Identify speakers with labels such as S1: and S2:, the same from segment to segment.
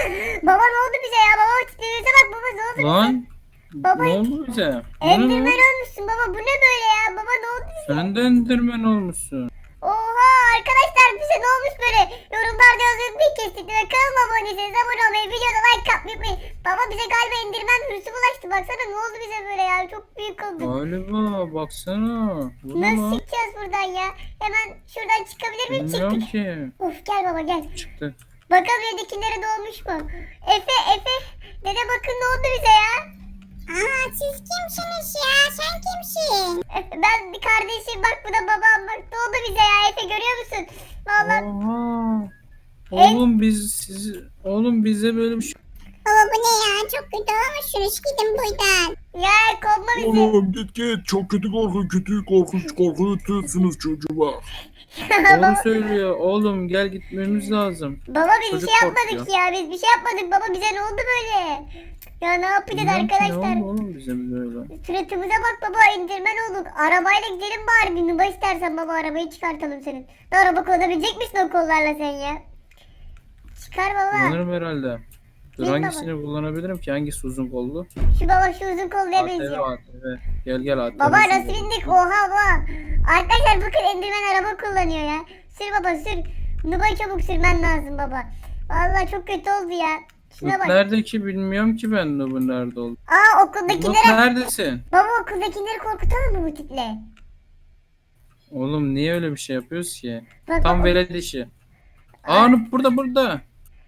S1: Baba ne oldu bize ya? Baba titrimize bak baba ne oldu bize?
S2: Lan
S1: Baba
S2: ne oldu bize? Bu ne
S1: Enderman
S2: lan?
S1: olmuşsun baba bu ne böyle ya? Baba ne oldu bize?
S2: Sen de Enderman olmuşsun.
S1: Oha arkadaşlar bize ne olmuş böyle? Yorumlarda yazın bir kestik ve kanalıma abone değilseniz abone olmayı, videoda like atmayı unutmayın. Baba bize galiba Enderman virüsü bulaştı. Baksana ne oldu bize böyle ya? Çok büyük oldu.
S2: Galiba baksana. Bu ne
S1: Nasıl
S2: lan?
S1: çıkacağız buradan ya? Hemen şuradan çıkabilir miyim?
S2: Bilmiyorum
S1: Çıktık.
S2: ki.
S1: Of gel baba gel.
S2: Çıktı.
S1: Bakalım evdekilere doğmuş mu? Efe. Dede bakın ne oldu bize ya?
S3: Aa siz kimsiniz ya? Sen kimsin?
S1: Ben bir kardeşim bak bu da babam bak ne oldu bize ya Efe görüyor musun? Vallahi
S2: Oha. Oğlum bize böyle bir şey.
S3: Baba bu ne ya? Çok kötü olmuşsunuz. Gidin buradan.
S1: ya kovma bizi.
S4: Oğlum git çok kötü korkunç korkutuyorsunuz çocuğa.
S2: Doğru söylüyor. Oğlum gel gitmemiz lazım.
S1: Baba biz bir
S2: Çocuk
S1: şey yapmadık
S2: korkuyor.
S1: ya biz bir şey yapmadık baba bize ne oldu böyle? Ya ne yapacağız
S2: Bilmiyorum ki ne
S1: arkadaşlar?
S2: oldu oğlum bize böyle.
S1: Suratımıza bak baba indirmen olur. Arabayla gidelim bari bir nuba istersen baba arabayı çıkartalım senin. Ne araba kullanabilecek misin o kollarla sen ya? Çıkar baba.
S2: Kullanırım herhalde. Dur
S1: Değil
S2: hangisini kullanabilirim ki? Hangisi uzun kollu?
S1: Şu baba şu uzun kolluya
S2: ATV
S1: benziyor.
S2: ATV. Gel ATV.
S1: Baba
S2: uzun
S1: nasıl
S2: kollu.
S1: bindik? Oha baba. Arkadaşlar bakın Enderman araba kullanıyor ya. Sür baba sür. Nubayı çabuk sürmen lazım baba. Vallahi çok kötü oldu ya. Şuna
S2: Nup
S1: bak.
S2: nerede ki bilmiyorum ki ben Nup'un nerede olduğunu.
S1: Aa
S2: Nup
S1: okuldakilere.
S2: neredesin?
S1: Baba okuldakileri korkutalım mı bu tiple?
S2: Oğlum niye öyle bir şey yapıyoruz ki?
S1: Bak,
S2: Tam
S1: bak.
S2: velet işi. Aa Nup burada.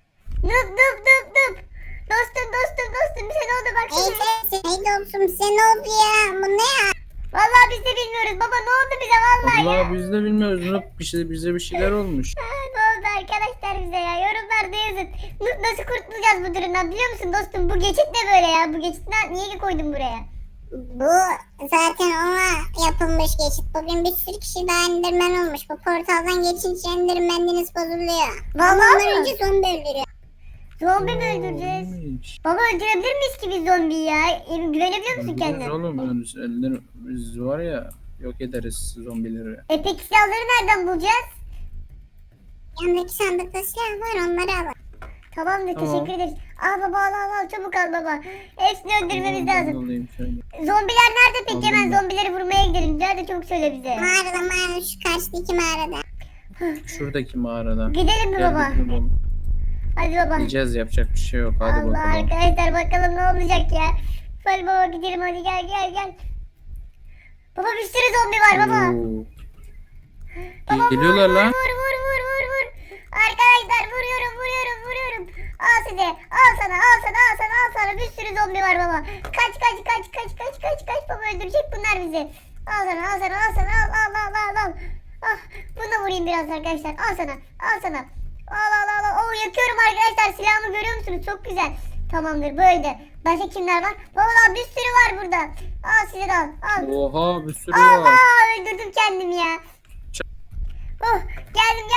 S1: Nup. Dostum bize ne oldu bak
S3: Ey
S1: şimdi.
S3: sen dostum size ne oldu ya? Bu ne ya?
S1: Vallahi biz de bilmiyoruz baba ne oldu bize vallahi ya.
S2: Allah biz de bilmiyoruz Nup bize bir şeyler olmuş.
S1: Ne oldu arkadaşlar bize ya yorumlarda yazın. Nasıl kurtulacağız bu durumdan biliyor musun dostum? Bu geçit ne böyle ya? Bu geçitten niye koydun buraya?
S3: Bu zaten ona yapılmış geçit. Bugün bir sürü kişi daha Enderman olmuş. Bu portaldan geçince Enderman'iniz bozuluyor.
S1: Vallahi
S3: Ondan
S1: mi?
S3: önce zombi öldürüyor.
S1: Zombi mi öldüreceğiz?
S2: Neymiş?
S1: Baba öldürebilir miyiz ki biz zombiyi ya? Güvenebiliyor musun
S2: Öldürürüz
S1: kendine?
S2: oğlum biz var ya yok ederiz zombileri.
S1: Peki silahları nereden bulacağız?
S3: Yandaki sandıkta silah var, onları alın.
S1: Tamamdır
S2: Tamam.
S1: teşekkür ederiz. Al baba al çabuk al baba. Hepsini öldürmemiz lazım.
S2: Alayım şöyle.
S1: Zombiler nerede peki?
S2: Aldım
S1: Hemen
S2: ben.
S1: zombileri vurmaya gidelim. Nerede çabuk söyle bize.
S3: Mağarada şu karşıdaki mağarada.
S2: Şuradaki mağarada.
S1: Gidelim mi
S2: Gel
S1: baba?
S2: gidelim oğlum.
S1: Hadi baba.
S2: Yiyeceğiz yapacak bir şey yok. Hadi
S1: Allah
S2: bakalım.
S1: arkadaşlar bakalım ne olacak ya. Hadi baba gidelim hadi gel. Baba bir sürü zombi var baba.
S2: Oo.
S1: Baba
S2: Geliyorlar lan.
S1: vur. Arkadaşlar vuruyorum. Al size. Al sana. Bir sürü zombi var baba. Kaç. Baba öldürecek bunlar bizi. Al sana. Al. Ah, bunu da vurayım biraz arkadaşlar. Al sana. Al. Oo yakıyorum arkadaşlar. Silahımı görüyor musunuz? Çok güzel. Tamamdır böyle. Başka kimler var? Baba bir sürü var burada. Al size de al.
S2: Oha bir sürü
S1: Allah
S2: var.
S1: öldürdüm kendimi ya. Oh geldim.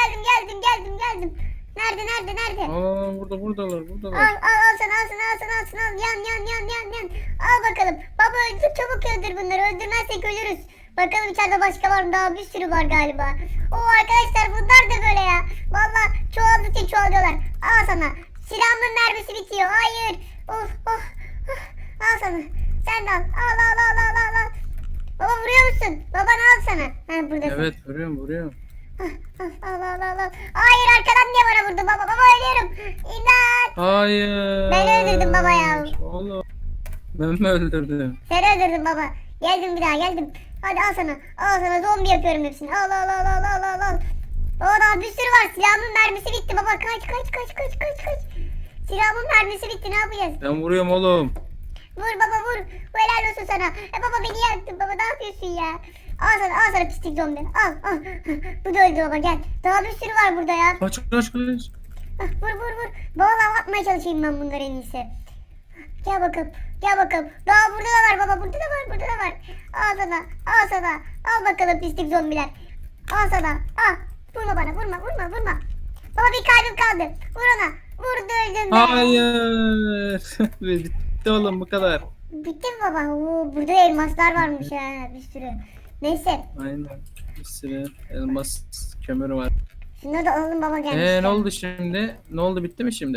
S1: Nerede?
S2: Aa buradalar.
S1: Al sana. Yan. Al bakalım. Baba öldür çabuk öldür bunları. Öldürmezsek ölürüz. Bakalım içeride başka var mı? Daha bir sürü var galiba. Oo arkadaşlar bunlar da böyle ya. Valla çoğaldıkça çoğalıyorlar. Al sana. Silahımın mermisi bitiyor. Hayır. Oh. Al sana. Sen de al. Al. Baba vuruyor musun? Babanı al sana. Ha buradasın.
S2: Evet vuruyorum.
S1: Al. Hayır arkadan niye bana vurdu baba ölüyorum. İmdat.
S2: Hayır.
S1: Ben öldürdüm baba ya.
S2: Oğlum. Ben mi öldürdüm?
S1: Sen öldürdün baba. Geldim bir daha geldim. Hadi al sana zombi yapıyorum hepsini. Al. Daha bir sürü var. Silahımın mermisi bitti baba. Kaç. Silahımın mermisi bitti ne yapacağız?
S2: Ben vuruyorum oğlum.
S1: Vur baba vur. Helal olsun sana. Baba beni yaktın baba ne yapıyorsun ya? Al sana pislik zombi. Al. Bu da öldü baba gel. Daha bir sürü var burada ya.
S2: Kaç.
S1: Vur. Vallahi atmaya çalışayım ben bunları en iyisi. Gel bakalım. Daha burada da var baba. Burada da var. Al sana. Al bakalım pislik zombiler. Al sana. Al. Vurma bana. Vurma. Baba bir kalbim kaldı. Vur ona. Vurdu öldüm ben.
S2: Hayır. Bitti oğlum bu kadar.
S1: Bitti mi baba? Oo, burada elmaslar varmış ha bir sürü. Neyse.
S2: Aynen. Bir sürü elmas kömürü var.
S1: Şunları da alalım baba gelmiş.
S2: Ne oldu şimdi? Ne oldu bitti mi şimdi?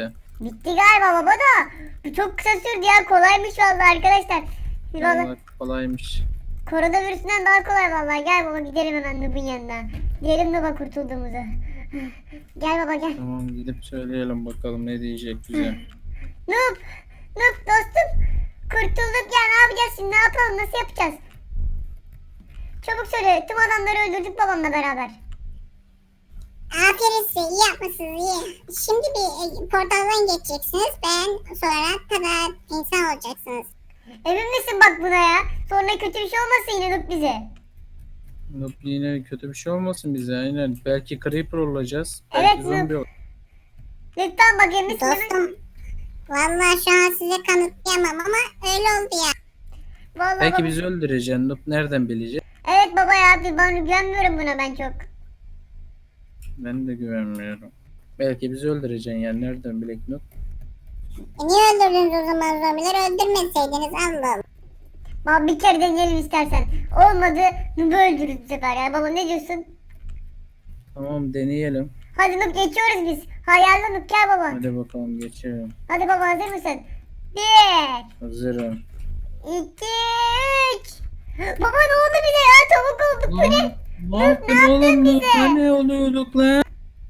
S1: Bitti galiba baba da. Bu çok kısa sürdü ya. Kolaymış vallahi arkadaşlar. Vallahi
S2: Vallahi kolaymış.
S1: koronavirüsünden daha kolay vallahi. Gel baba gidelim hemen Nub'un yanına. Diyelim Nub'a kurtulduğumuzu. Gel baba gel.
S2: Tamam gidip söyleyelim bakalım ne diyecek bize.
S1: Nub. Nub dostum. Kurtulduk ya, ne yapacağız şimdi, ne yapalım, nasıl yapacağız? Çabuk söyle, tüm adamları öldürdük babamla beraber.
S3: Aferin size, iyi yapmışsınız, iyi. Şimdi bir portaldan geçeceksiniz. Ben sonra tada insan olacaksınız.
S1: Emin misin bak buna ya? Sonra kötü bir şey olmasın yine Nub bize.
S2: Noob yine kötü bir şey olmasın bize aynen. Belki Creeper olacağız.
S1: Evet,
S2: Belki zombi olacağız.
S1: Lütfen bak emin misin?
S3: Dostum, vallahi şu an size kanıtlayamam ama öyle oldu ya.
S1: Vallahi
S2: Belki
S1: baba.
S2: bizi öldüreceksin. Noob nereden bilecek?
S1: Evet baba ya, ben güvenmiyorum buna ben çok.
S2: Ben de güvenmiyorum. Belki bizi öldüreceksin yani nereden bilek Noob?
S3: Niye öldürdünüz o zaman zombileri? Öldürmeseydiniz Allah Allah.
S1: Baba bir kere deneyelim istersen. Olmadı Nub'u öldürürüz bu sefer ya. Baba ne diyorsun?
S2: Tamam deneyelim.
S1: Hadi Nub geçiyoruz biz. Hayalde Nub gel baba.
S2: Hadi bakalım geçelim.
S1: Hadi baba hazır mısın? 1,
S2: Hazırım.
S1: 2, 3. Baba ne oldu bize ya? Tavuk olduk. Bu ne?
S2: Ne yaptın oğlum? Ne oluyorduk lan?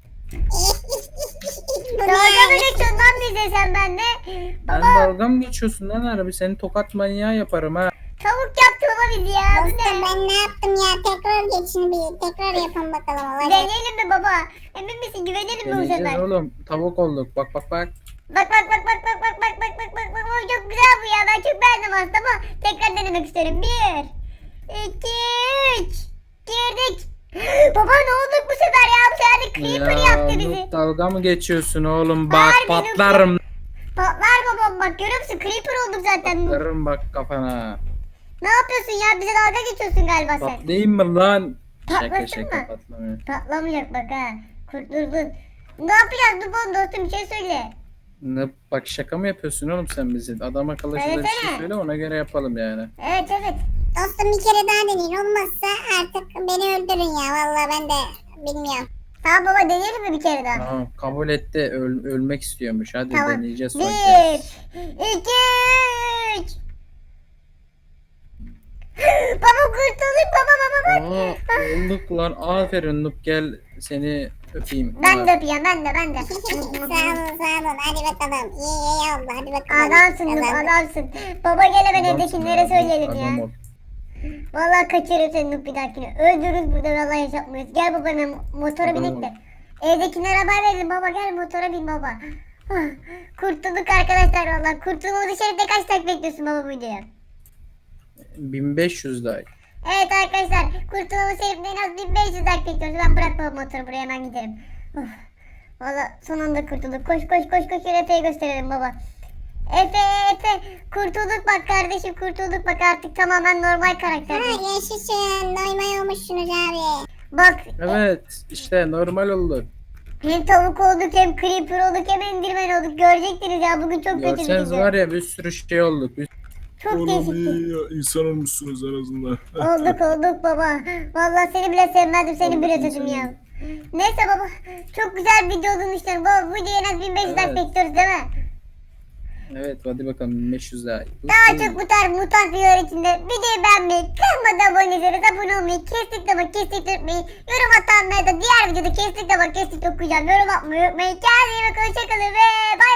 S1: Dalga mı geçiyorsun lan bize sen benimle?
S2: Ben
S1: Baba
S2: dalga mı geçiyorsun lan harbi? Seni tokat manyağı yaparım ha.
S1: tavuk yaptı baba bizi ya. Bu
S3: Dostum
S1: ne?
S3: ben ne yaptım ya? Tekrar geçin bir. Tekrar yapın bakalım. Olacak.
S1: Deneyelim mi baba? Emin misin? Güvenelim mi bu
S2: Deneyeceğiz
S1: sefer?
S2: oğlum. Tavuk olduk. Bak bak bak.
S1: Bak bak bak bak bak bak bak bak bak bak bak. Oy, çok güzel bu ya. Ben çok beğendim aslında ama tekrar denemek isterim. 1, 2, 3. Girdik. Baba ne olduk bu sefer ya? Bu sefer de Creeper yaptı bizi.
S2: Noob, dalga mı geçiyorsun oğlum? Bak
S1: Harbi
S2: patlarım.
S1: Patlar babam bak, görüyor musun? Creeper olduk zaten.
S2: Patlarım bak kafana.
S1: Ne yapıyorsun ya? Bize dalga geçiyorsun galiba sen.
S2: Patlayayım mı lan? Şaka
S1: Patlasın
S2: şaka
S1: mı?
S2: patlamıyor.
S1: Patlamayacak bak ha. Kurtuldun. Ne yapacağız dur bana dostum, bir şey söyle.
S2: Ne, bak şaka mı yapıyorsun oğlum sen bizi? Adam akıllı şurada bir şey
S1: Söylesene.
S2: söyle ona göre yapalım yani.
S1: Evet evet.
S3: Dostum bir kere daha deneyin. Olmazsa artık beni öldürün ya. Vallahi ben de bilmiyorum.
S1: Tamam baba deneyelim mi bir kere daha?
S2: Tamam kabul etti. Ölmek istiyormuş. Hadi
S1: Tamam.
S2: deneyeceğiz son
S1: 1,
S2: kez.
S1: 2, 3. Baba kurtulduk baba baba bak.
S2: Aa olduk lan. Aferin Noob gel seni öpeyim.
S1: Ben de öpeyim, ben de.
S3: Sağ olun sağ olun. Hadi bakalım. İyi oldu. Hadi bakalım.
S1: Adamsın Nup,
S3: Kazandık.
S1: adamsın. Baba gel hemen
S2: Adamsın
S1: evdekilere
S2: ya,
S1: söyleyelim
S2: adam
S1: ya.
S2: ol.
S1: Vallahi kaçırırım seni Nup bir dahakine. Öldürürüz burada, vallahi yaşatmayız. Gel baba hemen motora
S2: Adam
S1: binek
S2: ol.
S1: de. Evdekilere haber verelim baba, gel motora bin baba. Ah, kurtulduk arkadaşlar vallahi. Kurtulmamızı şerifte kaç dakika bekliyorsun baba bu videoya?
S2: 1500 like.
S1: Evet arkadaşlar, kurtulmamız şerifte en az 1500 dakika bekliyoruz. Ben bırak baba motoru, buraya hemen gidelim. Of. Valla son anda kurtulduk. Koş koş koş koş, Efe'ye gösterelim baba. Efe kurtulduk bak kardeşim, kurtulduk bak, artık tamamen normal
S3: Ha
S1: karakter.
S3: yaşasın. Doymay olmuşsunuz abi.
S1: Bak
S2: Evet işte normal olduk.
S1: hem tavuk olduk, hem creeper olduk, hem endirmen olduk. Görecektiniz ya, bugün çok kötü bir
S2: Görseniz
S1: video.
S2: var ya bir sürü şey olduk.
S1: Çok
S4: Oğlum
S1: değişikti.
S4: iyi ya. İnsan olmuşsunuz en azından.
S1: Olduk baba. Vallahi seni bile sevmezdim, seni bile
S2: Olduk
S1: özledim
S2: seni.
S1: ya. Neyse baba, çok güzel bir video olduğunu düşünüyorum. Baba bu videoya en az 1500 like
S2: Evet.
S1: bekliyoruz değil mi?
S2: Evet hadi bakalım 1500 like.
S1: Daha çok bu tarz mutant videolar için de videoyu beğenmeyi, kanalıma abone değilseniz abone olmayı, kesinlikle unutmayın. Yorum atanlara da diğer videoda kesinlikle okuyacağım. Yorum atmayı unutmayın. Kendinize iyi bakın, hoşçakalın ve bay